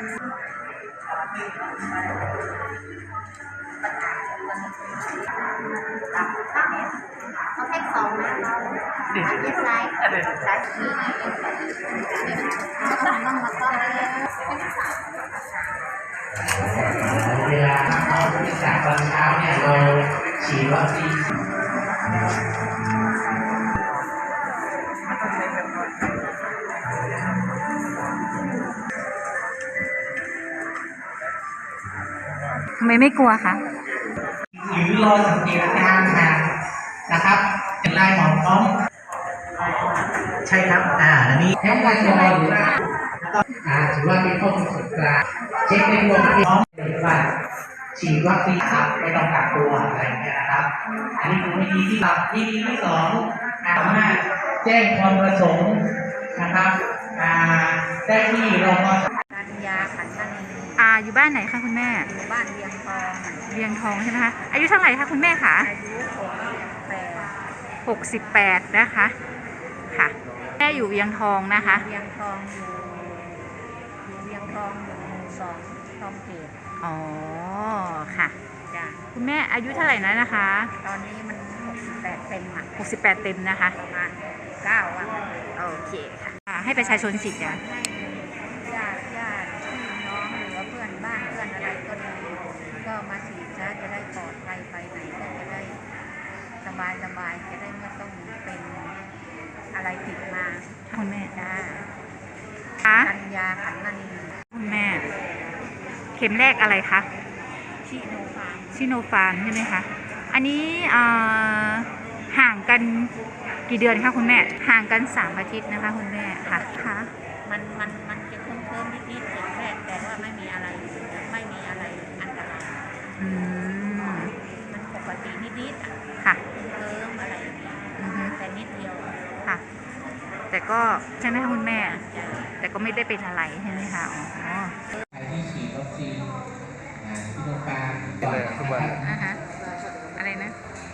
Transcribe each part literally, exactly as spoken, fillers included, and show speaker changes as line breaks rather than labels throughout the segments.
เขาแพ็คสองนะอันนี้ไซส์ไซส์นี้ก็ต้องต้องมาต้อนเลย
เวลาเราไปจากตอนเช้าเนี่ยเราฉีดวัคซีน
ทำไมไม่กลัวคะ
หรือรอสังเกตอาการค่ะนะครับเป็นลายหมอนพร้อมใช่ครับอ่าอันนี้แค่ว่าจะรอหรือว่าแล้วก็อ่าถือว่าเป็นข้อมูลส่วนกลางเช็คในรวมพร้อมหรือว่าฉีดวัคซีนครับไม่ต้องกักตัวอะไรอย่างเงี้ยนะครับอันนี้คือวิธีที่เราวิธีที่สองสามารถแจ้งความประสงค์นะครับอ่าได้ที่รพส.
การยาขันมณี
อ่าอยู่บ้านไหนคะคุณแม่
อยู่บ้านเวียงทอง
เวียงทองใช่ไหมคะอายุเท่าไหร่คะคุณแม่คะ
อายุ
หกสิบแปดนะคะค่ะแม่อยู่เวียงทองนะคะ
เวียงทองอยู่อยู่เวียงทองอยู่หมู่สองทองเกต
อ๋อค่ะ
จ้ะ
คุณแม่อายุเท่าไหร่นะนะคะ
ตอนนี้มันหกสิบแปดเต็มอ่ะ
หกสิบแปดเต็มนะคะ
ประมาณเก้าวัน
โอเคค่ะให้ประชาชนฉีดยา
ให้ญาติญาติพี่น้องหรือว่าเพื่อนบ้านเพื่อนอะไรก็ดีก็มาฉีดนะจะได้ปลอดภัยไปไหนก็จะได้สบายสบายจะได้ไม่ต้องเป็นอะไรติดมา
คุณแม่
จ้า
กั
ญญาขันมณี
คุณแม่เข็มแรกอะไรคะ
ชิโนฟาร์ม
ชิโนฟาร์มใช่ไหมคะอันนี้ห่างกันกี่เดือนคะคุณแม่ห่างกันสามอาทิตย์นะคะคุณแม่ค่ะค่ะ
มันมันมันจะเพิ่มเพิ่มนิดๆเข็มแรกแต่ว่าไม่มีอะไรไม่มีอะไรอันตราย
อืม
มันปกตินิด
ๆค่ะ
เพิ่มอะไรอย่างเงี้ยแต่นิดเดียว
ค่ะแต่ก็ใช่ไหมคะคุณแม่แต่ก็ไม่ได้เป็นอะไรใช่ไหมคะอ๋อ
ใครที่ฉีดวัคซีนซิโนฟาร์มก่อนนะครับ
อ่าฮะอะไรนะ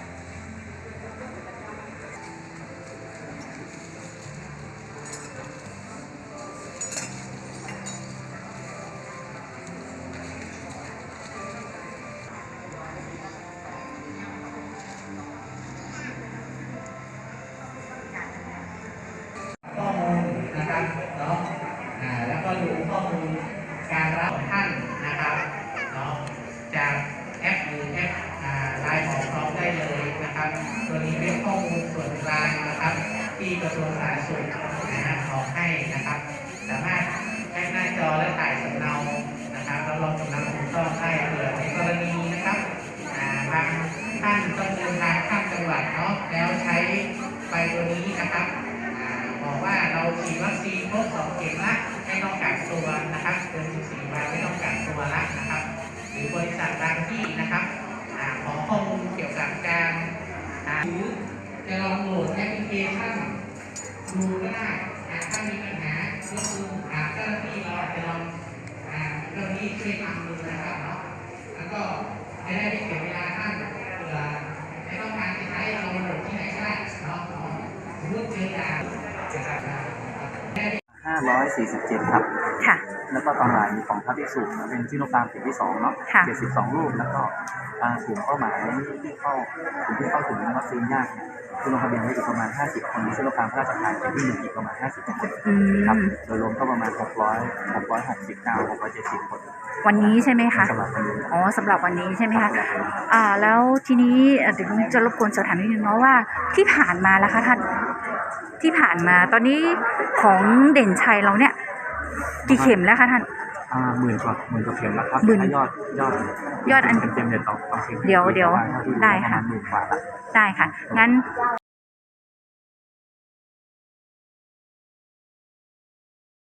ข้อมูลนะครับเนาะอ่าแล้วก็ดูข้อมูลการรับท่านนะครับเนาะจากแอปหรือแอปไลน์ของเราได้เลยนะครับตัวนี้เป็นข้อมูลส่วนกลางนะครับที่กระทรวงสาธารณสุขนะฮะออกให้นะครับสามารถแคปหน้าจอและถ่ายสำเนานะครับแล้วลงสำเนาถูกต้องได้เผื่อในกรณีนะครับบางท่านต้องเดินทางข้ามจังหวัดเนาะแล้วใช้ใบตัวนี้นะครับบอกว่าเราฉีดวัคซีนครบสองเข็มละไม่ต้องกักตัวนะครับเกินสิบสี่วันไม่ต้องกักตัวละนะครับหรือบริษัทบางที่นะครับขอข้อมูลเกี่ยวกับการหรือจะลองโหลดแอปพลิเคชันดูก็ได้ถ้ามีปัญหาก็คือเจ้าหน้าที่เราอาจจะลองเรื่องนี้ช่วยทำดูนะครับเนาะแล้วก็จะได้ไม่เสียเวลาท่านเผื่อไม่ต้องการจะใช้เราโหลดที่ไหนก็ได้เนาะสมมติเจอยา
ห้าร้อยสี่สิบเจ็ดครับ
ค่ะ
แล้วก็ตอนบ่ายมีของพระภิกษุเป็นซิโนฟาร์มเข็มที่สองเนาะเจ็ดสิบสองรูปแล้วก็กลุ่มเป้าหมายที่เข้ากลุ่มที่เข้าถึงวัคซีนยากคือลงทะเบียนไว้อีกประมาณห้าสิบคนมีซิโนฟาร์มพระราชทานเข็มที่หนึ่งอีกประมาณห้าสิบคนครับโดยรวมก็ประมาณหกร้อยหกร้อยหกสิบเก้าหกร้อยเจ็ดสิบคน
วันนี้ใช่ไหมคะ
สำหรับวันนี้
อ๋อสำหรับวันนี้ใช่ไหมคะอ่าแล้วทีนี้เดี๋ยวจะรบกวนสอบถามนิดนึงเนาะว่าที่ผ่านมาแล้วคะท่านที่ผ่านมาตอนนี้ของเด่นชัยเราเนี่ยกี่เข็มแล้วคะท่าน
อ่าหมื่นกว่าหมื่นกว่าเข็มแล้วครับยอดยอด
ยอดอัน
เต็มๆเนี่ยต่อต่อเข็ม
เดี๋ยวเดี๋ยวได้ค่ะได้ค่ะงั้น